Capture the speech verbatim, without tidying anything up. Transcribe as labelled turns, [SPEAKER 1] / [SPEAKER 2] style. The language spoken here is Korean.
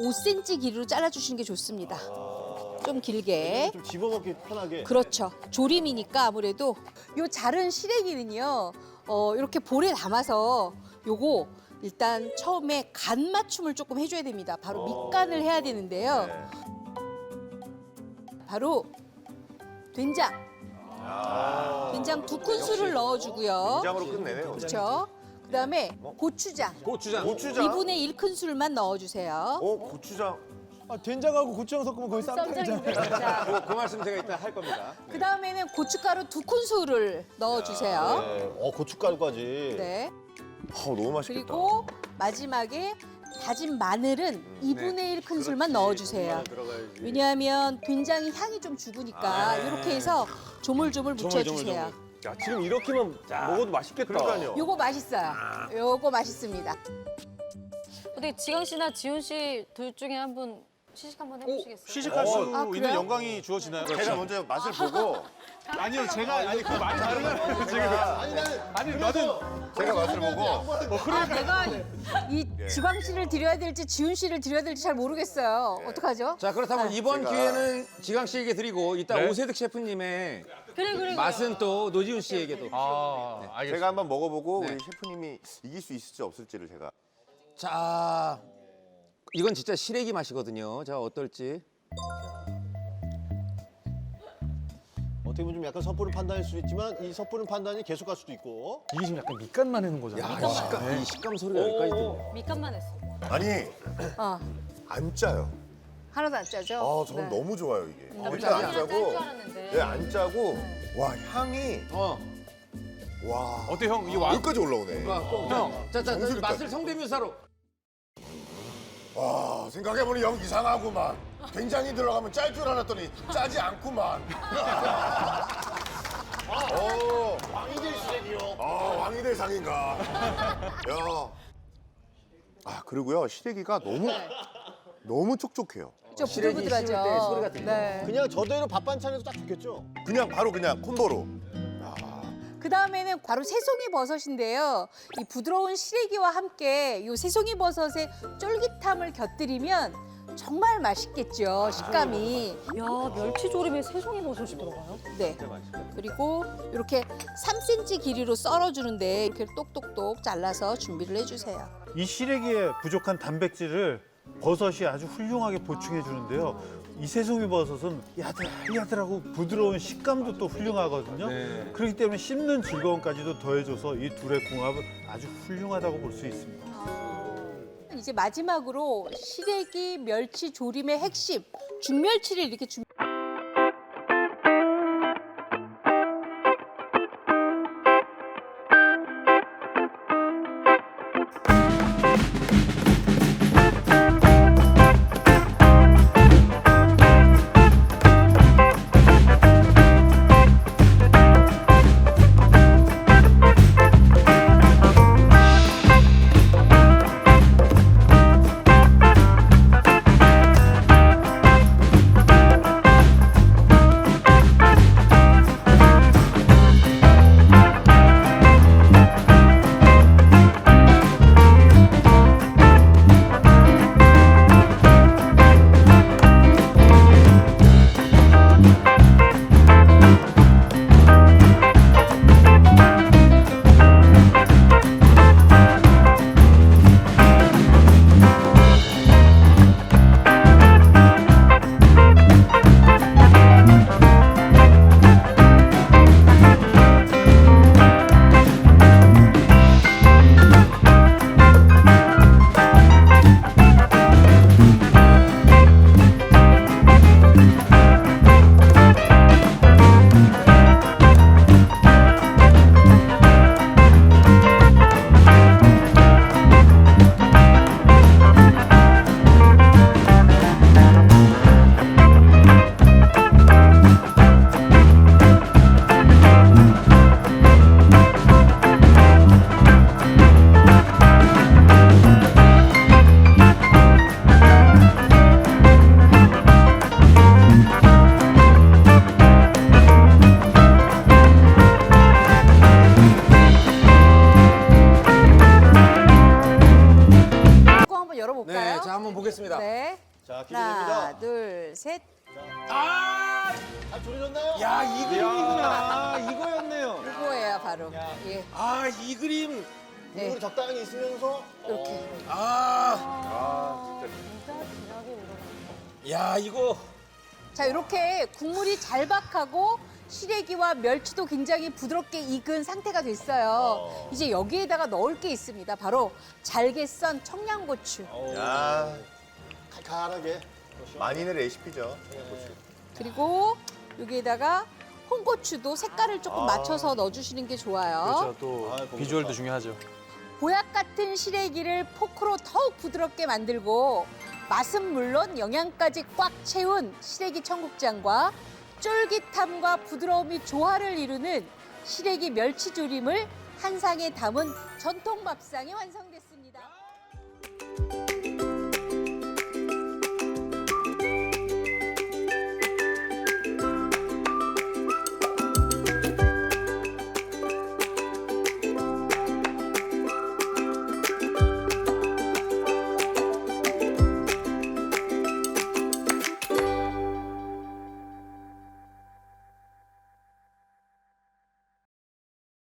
[SPEAKER 1] 오 센티미터 길이로 잘라주시는 게 좋습니다. 좀 길게.
[SPEAKER 2] 좀 집어먹기 편하게.
[SPEAKER 1] 그렇죠. 조림이니까 아무래도 요 자른 시래기는요. 어, 이렇게 볼에 담아서 요거 일단 처음에 간 맞춤을 조금 해줘야 됩니다. 바로 밑간을 해야 되는데요.
[SPEAKER 2] 네.
[SPEAKER 1] 바로 된장. 된장 두 큰술을 넣어주고요.
[SPEAKER 2] 된장으로 끝내네요.
[SPEAKER 1] 그렇죠. 그다음에 고추장
[SPEAKER 3] 고추장.
[SPEAKER 2] 고추장.
[SPEAKER 1] 이분의 일 큰술만 넣어주세요.
[SPEAKER 2] 어, 고추장.
[SPEAKER 4] 아, 된장하고 고추장 섞으면 거의 쌈장이잖아요.
[SPEAKER 1] 자,
[SPEAKER 3] 그, 그 말씀 제가 이따 할 겁니다.
[SPEAKER 1] 그다음에는 고춧가루 두 큰술을 넣어주세요.
[SPEAKER 2] 네. 어, 고춧가루까지.
[SPEAKER 1] 네.
[SPEAKER 2] 어, 너무 맛있겠다.
[SPEAKER 1] 그리고 마지막에 다진 마늘은 이분의 일 큰술만 넣어주세요.
[SPEAKER 3] 들어가야지.
[SPEAKER 1] 왜냐하면 된장이 향이 좀 죽으니까 이렇게 해서 조물조물 묻혀주세요.
[SPEAKER 5] 야, 지금 이렇게만 먹어도 맛있겠다.
[SPEAKER 2] 그러니까요.
[SPEAKER 1] 요거 맛있어요. 요거 맛있습니다.
[SPEAKER 6] 어떻게 지강 씨나 지훈 씨 둘 중에 한 분 시식 한번 해보시겠어요?
[SPEAKER 7] 시식할 수
[SPEAKER 1] 아,
[SPEAKER 7] 있는
[SPEAKER 1] 그래요?
[SPEAKER 7] 영광이 주어지나요?
[SPEAKER 2] 제가 먼저 맛을 보고
[SPEAKER 7] 아니요, 제가 아니 그 말이 다르잖아요. 지금 아니 나는
[SPEAKER 2] 제가 맛을 보고
[SPEAKER 1] 아, 내가 이 지광 씨를 드려야 될지 지훈 씨를 드려야 될지 잘 모르겠어요. 어떡하죠?
[SPEAKER 3] 자, 그렇다면 이번
[SPEAKER 2] 제가-
[SPEAKER 3] 기회는 지강 씨에게 드리고 이따
[SPEAKER 7] 네.
[SPEAKER 3] 오세득 셰프님의
[SPEAKER 6] 그래 그래 그래.
[SPEAKER 3] 맛은 또 노지훈 씨에게도.
[SPEAKER 7] 아, 알겠습니다.
[SPEAKER 2] 제가 한번 먹어보고
[SPEAKER 3] 네.
[SPEAKER 2] 우리 셰프님이 이길 수 있을지 없을지를 제가.
[SPEAKER 3] 자, 이건 진짜 시래기 맛이거든요. 자, 어떨지.
[SPEAKER 4] 어떻게 보면 좀 약간 섣부른 판단일 수도 있지만 이 섣부른 판단이 계속 갈 수도 있고.
[SPEAKER 7] 이게 지금 약간 밑간만 해는 거잖아요.
[SPEAKER 3] 야, 이 식감, 이 식감 소리가 여기까지 들려.
[SPEAKER 6] 밑간만 했어.
[SPEAKER 2] 아니,
[SPEAKER 1] 어,
[SPEAKER 2] 안 짜요.
[SPEAKER 1] 하나도 안 짜죠?
[SPEAKER 2] 아, 저는
[SPEAKER 1] 네.
[SPEAKER 2] 너무 좋아요, 이게.
[SPEAKER 6] 나
[SPEAKER 2] 일단 안
[SPEAKER 6] 짤 줄
[SPEAKER 2] 짜고.
[SPEAKER 6] 알았는데.
[SPEAKER 2] 네, 안 짜고. 와, 향이.
[SPEAKER 3] 어.
[SPEAKER 2] 와.
[SPEAKER 7] 어때 형? 이 왕
[SPEAKER 2] 여기까지 올라오네.
[SPEAKER 3] 형, 자, 자, 자,
[SPEAKER 2] 정수리까지.
[SPEAKER 3] 맛을 성대묘사로.
[SPEAKER 2] 와, 생각해보니 영 이상하구만. 된장이 들어가면 짤 줄 알았더니 짜지 않구만. 어, 왕이 될 시래기요. 아, 왕이 될 상인가. 야. 아, 그리고요, 시래기가 너무, 너무 촉촉해요.
[SPEAKER 1] 좀
[SPEAKER 3] 시래기
[SPEAKER 1] 부들부들하죠.
[SPEAKER 3] 씹을 때 소리가 들려.
[SPEAKER 1] 네.
[SPEAKER 4] 그냥 저대로 밥 반찬에도 딱 좋겠죠?
[SPEAKER 2] 그냥 바로 그냥 콤보로.
[SPEAKER 1] 그 다음에는 바로 새송이 버섯인데요. 이 부드러운 시래기와 함께 이 새송이 버섯의 쫄깃함을 곁들이면 정말 맛있겠죠, 식감이.
[SPEAKER 6] 야 멸치 조림에 새송이 버섯이 들어가요?
[SPEAKER 1] 네. 그리고 이렇게 삼 센티미터 길이로 썰어주는데 이렇게 똑똑똑 잘라서 준비를 해주세요.
[SPEAKER 8] 이 시래기에 부족한 단백질을 버섯이 아주 훌륭하게 보충해 주는데요. 이 새송이 버섯은 야들야들하고 부드러운 식감도 또 훌륭하거든요.
[SPEAKER 3] 네.
[SPEAKER 8] 그렇기 때문에 씹는 즐거움까지도 더해줘서 이 둘의 궁합은 아주 훌륭하다고 볼 수 있습니다.
[SPEAKER 1] 이제 마지막으로 시래기 멸치 조림의 핵심 중멸치를 이렇게 준비.
[SPEAKER 7] 아,
[SPEAKER 4] 아 조리졌나요?
[SPEAKER 7] 야, 이 그림이구나. 이거였네요.
[SPEAKER 1] 이거예요, 바로. 예,
[SPEAKER 7] 아, 이 그림.
[SPEAKER 1] 네,
[SPEAKER 4] 국물이 적당히 있으면서
[SPEAKER 1] 이렇게.
[SPEAKER 7] 아,
[SPEAKER 6] 진짜 진하게 우러나.
[SPEAKER 7] 야, 이거.
[SPEAKER 1] 자, 이렇게 국물이 잘박하고 시래기와 멸치도 굉장히 부드럽게 익은 상태가 됐어요. 이제 여기에다가 넣을 게 있습니다. 바로 잘게 썬 청양고추.
[SPEAKER 2] 야,
[SPEAKER 4] 칼칼하게.
[SPEAKER 2] 만인의 레시피죠.
[SPEAKER 1] 그리고 여기에다가 홍고추도 색깔을 조금
[SPEAKER 2] 아.
[SPEAKER 1] 맞춰서 넣어주시는 게 좋아요.
[SPEAKER 7] 그렇죠. 또
[SPEAKER 4] 아, 고기
[SPEAKER 7] 비주얼도
[SPEAKER 4] 좋다.
[SPEAKER 7] 중요하죠.
[SPEAKER 1] 보약 같은 시래기를 포크로 더욱 부드럽게 만들고 맛은 물론 영양까지 꽉 채운 시래기 청국장과 쫄깃함과 부드러움이 조화를 이루는 시래기 멸치조림을 한 상에 담은 전통 밥상이 완성됐습니다.